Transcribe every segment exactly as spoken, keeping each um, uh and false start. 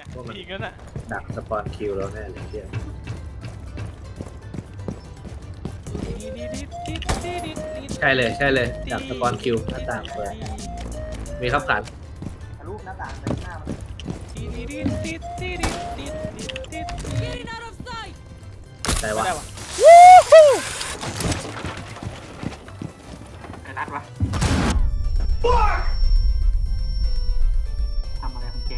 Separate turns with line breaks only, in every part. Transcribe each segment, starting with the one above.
ว่ามัน
อีกแล้วน่ะ
ดักสปอนคิวแล้วแน่เลยเที่ยใช่เลยใช่เลยดักสปอนคิวหน้าต่างเปิดมีครับขัน
ทะลุหน้าต่างไปหน้ามัน
แต่ว่า
ได้วะ
ไอ้รัดวะทำอะไรของแก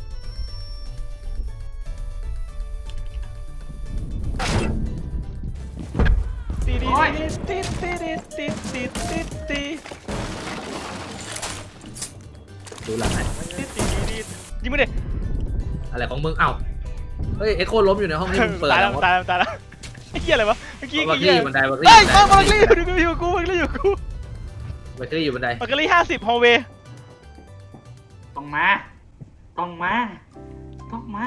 ตีดีตีตีตีตีตีตีตี
ดูหลังไหน
ตีตีตียิงไม่ได้
อะไรของมึงเอ้าเฮ้ยเอ็กโคล้มอยู่ในห้องที่มึงเปิด
ตาย
แล้
แล้ว วตายแล้วตายแล้วไอ้เหี้ยอะไรวะเมื่อกี้
บั
ไอ้
ก
เหี้
ลี่
ย
บันไดบัก
เฮ้
ลี่
ยมาบักลี่อยู่กูอยู่กูบักลี่อยู่กู
บักลี่อยู่บันได
บักลี่ห้าสิบฮอลเวย์
ต้องมาต้องมาต้องมา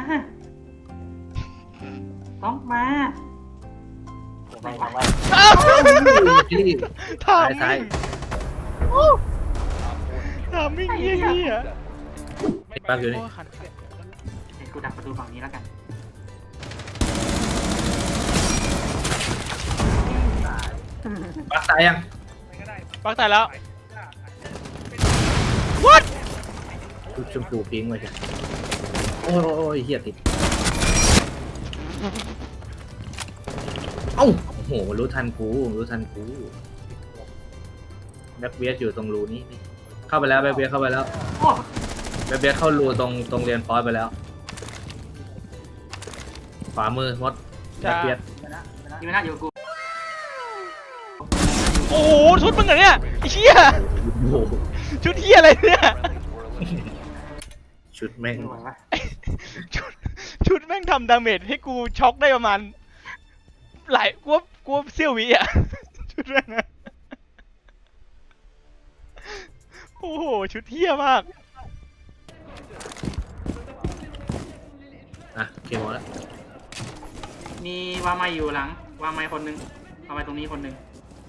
ต้องมาไม่ทำไม
บักลี่
ถาม
ซ้าย
ถามมิ่งเหี้ยเหี้ย
แป๊บอยู่นี่
เดี๋ยวกูดักประตูฝั่งนี้แล้วกัน
ปักตายยัง
ปักตายแล้ว what
ชุดชมพูพิงค์มาใช่โอ้ยโอ้ยโอ้ยเฮียติดเอ้าโอ้โหรู้ทันกูรู้ทันกูแบ็คเบียสอยู่ตรงรูนี้นี่เข้าไปแล้วแบ็คเบียสเข้าไปแล้ว
โอ้
แบ็คเบียสเข้ารูตรงตรงเรียนฟอสไปแล้วขวามือมดแบ็คเบียส
ยไม่น่าอยู่กับกู
โอ้โหชุดมึงเหรอเนี่ยไอ้เหี้ย
โอ้โห
ชุดเหี้ยอะไรเนี่ย
ชุดแม่ง
ไม่ไหววะ
ชุดชุดแม่งทำดาเมจให้กูช็อกได้ประมาณหลายกวบกวบเซี่ยววิอ่ะชุดแม่งอะโอ้โหชุดเหี้ยมาก
อ่ะเคมอลแล้ว
มีวาไมอยู่หลังวาไมคนหนึงวาไมตรงนี้คนหนึง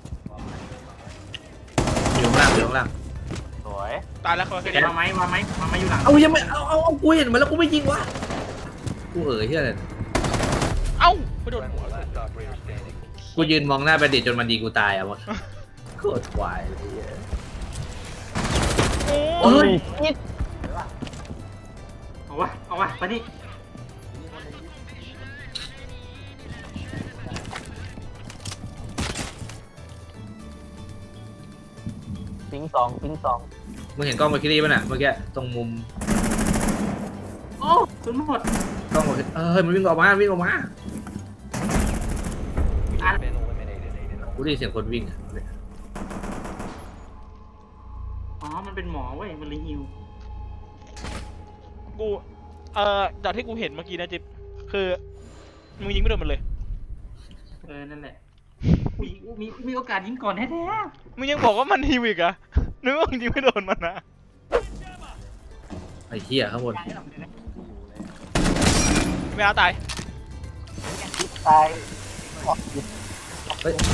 อยู่ข้างล่างอยู่ข้างล่าง
สวย
ตายแล้วเขา
เห็
เห็
น
น
วาไมวาไมวาไมอยู่หลัง
เอายังไม่เอาเอาเอากูเห็นมันแล้วกูไม่ยิงวะกูเอ๋ยเฮียอะไร
เอ้าไปโดน
กูยืนมองหน้าประดิษฐ์จนมันดีกูตายอ่ะมดโคตรควายเลยเหี้ย
โอ้
เฮ้
ย
ย
เอาวะเอาวะไปนี่
ปิงสองปิงสอง
มึงเห็นกล้องมาคิรี่ป่ะน่ะเมื่อกี้ตรงมุม
โอ้สุนหมด
กล้องมาคิเออเฮ้ยมันวิ่งออกมาวิ่งออกมา
อ่ะ
กูได้ยินเสียงคนวิ่งอะ
อ๋อมันเป็นหมอเว้ยมันเลยฮิว
กูเอ่อจากที่กูเห็นเมื่อกี้นะจิ๊บคือมึงยิงไม่โดนมันเลย
เออนั่นแหละมีมีมีโอกาสยิงก่อนแท้
มึงยังบอกว่ามันฮิวอีกเหรอะนึกว่ามึงยิงไม่โดนมันนะ
ไอ้เหี้ยข้างบน
ไม่เอาตาย
ตาย
เฮ้ย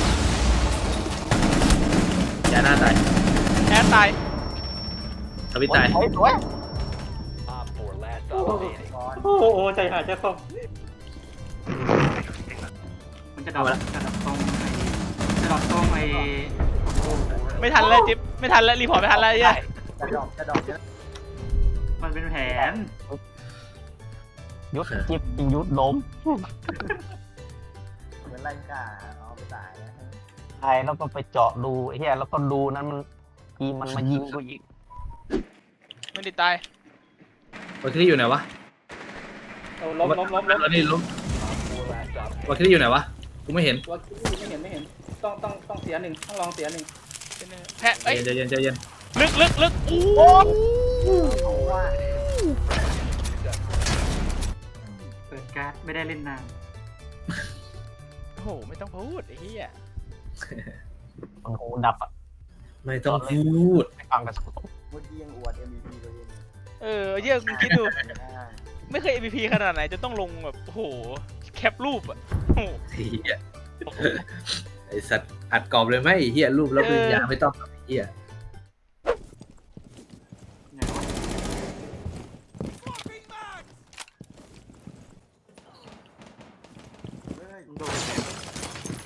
ยาหน้าตาย
แอดตาย
ทวิตตาย
สวยสวย
ๆโอ้โหใจหายใจคอมันจะดรอปจะดรอปตรงไอ้จะดรอปตรงไอ้
ไม่ทันแล้วจิ๊บไม่ทันแล้วรีพอร์ตไม่ทันแล้วไอ้เหี้ย
จะดรอปจะดรอปมันเป็นแผน
ยุดจิบยิงยุดล้ม
เหมือนไล่กาเอาไปตายนะ
ไอ้แล้วก็ไปเจาะดูไอ้เหี้ยแล้วก็ดูนั้นมันทีมันมายิงกูอีก
ไม่ได้ตาย
วาคิรี่อยู่ไหนวะ
เอาล้มล้มล้มล้ม
ตอนนี้ล้มวาคิรี่อยู่ไหนวะกูไม่เห็น
ตัวไม่เห็นไม่เห็นต้องต้องต้องเสียหนึ่งต้องลองเสียหนึ่ง
แพ้เอ้ย
ใจเย็นใจเย็น
ลึกลึกลึกอู้
เอาว่าเปิดการ์ดไม่ได้เล่นนาน
โอ้โหไม่ต้องพูดไอ้เหี้ย
มันหูดับอ่ะ
ไม่ต้องพูด
ไม่ฟังกันสักคน
เมื่อกี้ยังอวด เอ็ม วี พี ตัวเอง
เออเหี้ยมึงคิดดูไม่เคย เอ็ม วี พี ขนาดไหนจะต้องลงแบบโอ้โหแคปรูปอ่ะโอ้โห
เหี้ยไอสัตว์อัดกรอบเลยไหมไอ้เหี้ยรูปแล้วเป็นยาไม่ต้องไอ้เหี้ย
ไหนวะ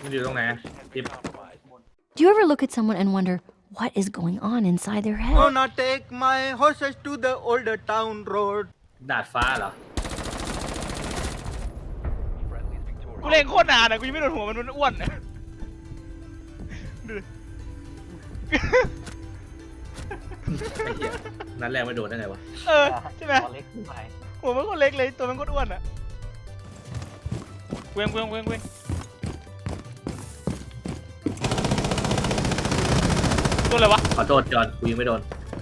มันอยู่ตรงไหนทิป
Do you ever look at someone and wonder what is going on inside their head?
Gonna take my horses to the older town road.
ดาดฟ้าเหรอ
กูเล่นโคตรนานอะกูยังไม่โดนหัวมันมันอ้วนอะดูดิ
ไอ้เหี้ยนัดแรกไม่โดนได้ไงวะ
เออใช่ไหม
ตัวเล็กขึ้นไป
หัวมันโคตรเล็กเลยตัวมันโคตรอ้วนอะเว้งเว้งเว้งเว้งตัวอะไรวะ
ขอโทษจอนกูยังไม่โดน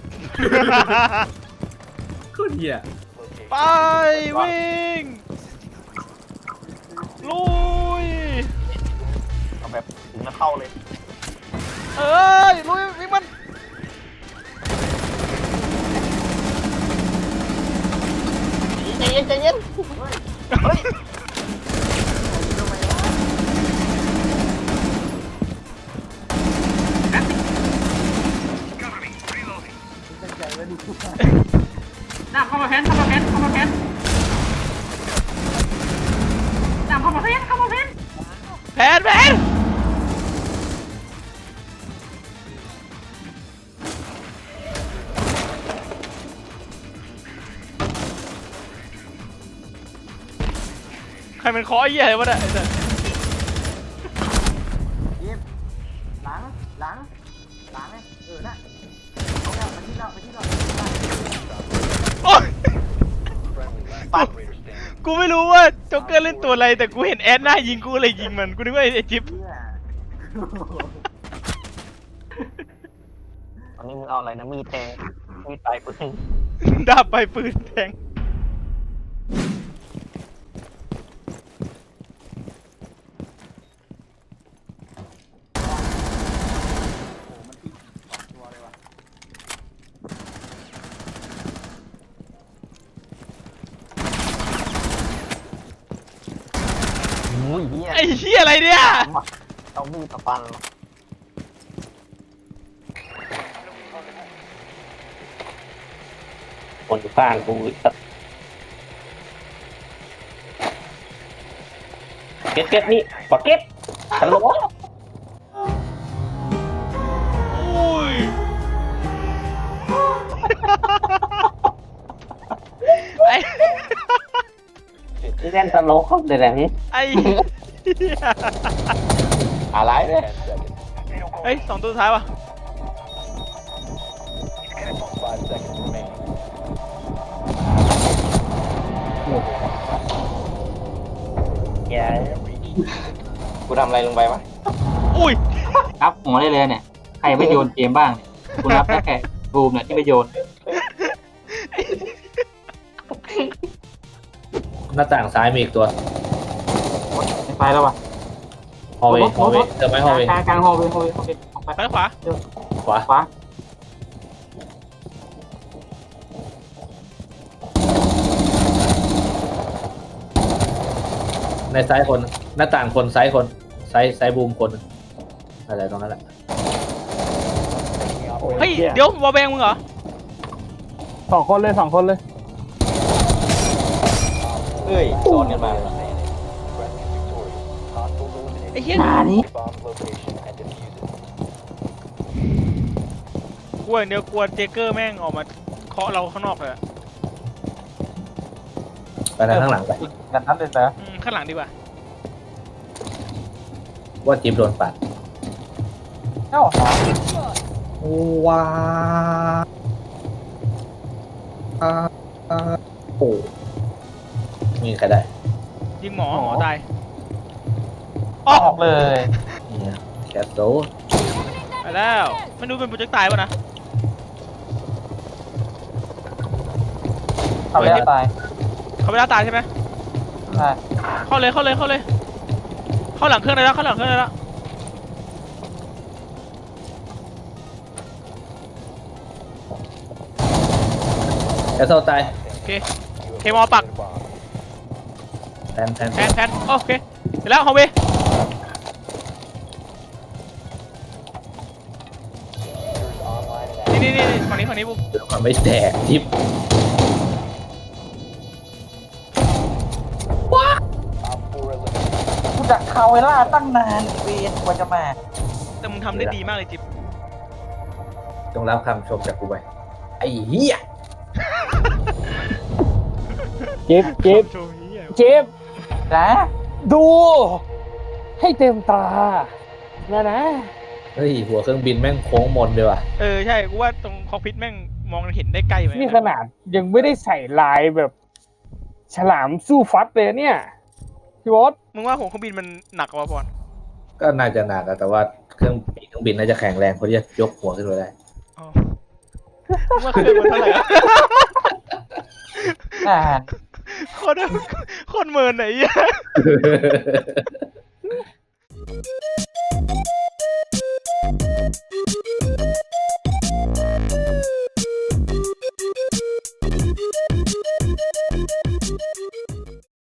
โคตรเหี้ย
ไปวิ่งลุย
เอาแบบถึงแล้วเข้าเลย
เอ้ยลุยวิ่งมัน
ใจเย็นใจเย็นเฮ้ย
ดาบเข้ามาแพนเข้ามาแพนเข้ามาแพนดาบเข้ามาแพนเข้ามาแพน
แผนแผนใครมันเคาะไอ้เหี้ยอะไรวะเนี่ยไอ้สัส
หลังหลังหลังเออน่ะเอาแล้วไปที่เราไปที่เรา
โอ๊ยกูไม่รู้ว่าโจ๊กเกอร์เล่นตัวอะไรแต่กูเห็นแอดหน้ายิงกูเลยยิงมันกูนึกว่าไอ้จิ๊บ
ตอนนี้มึงเอาอะไรนะมีดแทงมีดปลายปืน
ดาบไปปืนแทง
อุ้ยเฮีย
ไอ้เหี้ยอะไรเนี่ย
เอามีดมาฟันคนอยู่ข้างกูเก็ตเก็ตนี่ปะเก็ตฮัลโหล
โอ้ยไอ้
นี่เล่นตลกเขาเดี๋ยวนี้
ไอ้เหี้ย
อะไรเนี่ย
เฮ้ยสองตัวสุดท้ายวะ
แกกูทำอะไรลงไปวะ
อุ้ย
ครับหัวได้เลยเนี่ยใครไม่โยนเกมบ้างเนี่ยคุณรับได้แค่บูมเนี่ยที่ไม่โยน
หน้าต่างซ้ายมีอีกตัว
ไม่ไปแล้ววะ
ฮอลเวย์ฮอลเวย์เจอไหมฮอลเวย์
กลางกลางฮอลเวย์ฮอลเวย์โอเคออกไป
ไปขวา
ขวา
ขวา
ในซ้ายคนหน้าต่างคนซ้ายคนซ้ายซ้ายบูมคนอะไรตรงนั้นแหละ
เฮ้ยเดี๋ยววอลแบงมึงเหรอ
สองคนเลยสองคนเลย
เฮ้ยโดนกันมา
ไอ้เหี้ย
หานี้
กลัวอย่างเดียวกลัวเจเกอร์แม่งออกมาเคาะเราข้างนอกเลยอะ
ไปทางข้างหลังไป
กันนั้นเลยนะ
อืมข้างหลังดีกว่า
ว่าจิ๊บโดนปัด
เอ้า
ว้าโอ้มีใครได้
ยิงหมอหมอตาย
ออกเลย
เนี่ยแคสโต
ไปแล้วไม่รู้เป็นโปรเจกต์ตายป่ะนะ
ทำไม่ได้ตาย
เขาไม่ได้ตายใช่ไหม
ได้
เข้าเลยเข้าเลยเข้าเลย เข้าหลังเครื่องเลยแล้วเข้าหลังเครื่องเลยแล้ว
แคสโตตาย
โอเคเคมอปัก
แทนแทน
แพนแพนโอเคเสร็จแล้วฮอลเวย์นี่นี่นี่ฝั่งนี้ฝั่งนี้บุ๊
มันไม่แตกทิป
กูจากคาเวล่าตั้งนานเวียนกว่าจะมา
แต่มึงทำได้ดีมากเลยจิ๊บ
จงรับคำชมจากกูไปไอ้เหี้ย
จิ๊บจิ๊บ
โชว์นี้อ่ะ
จิ๊บ
นะ
ดู ให้เต็มตานะนะ
เฮ้ยหัวเครื่องบินแม่งโค้งมนเลยว่ะ
เออใช่กูว่าตรงคอกพิทแม่งมองเห็นได้ใกล้ไหม
นี่ขนาดยังไม่ได้ใส่ลายแบบ ฉลามสู้ฟัดเลยเนี่ยพี่วอส
มึงว่าหัวเครื่องบินมันหนักกว่าพอน
ก็น่าจะหนักอะแต่ว่าเครื่องเครื่องบินน่าจะแข็งแรงพอที่จะยกหัวขึ้นมาได้
อ๋อมึงว่าเครื่องมันเท่าไหร่อะ
นาน
โคตรโคตรเมินไหนอ่ะ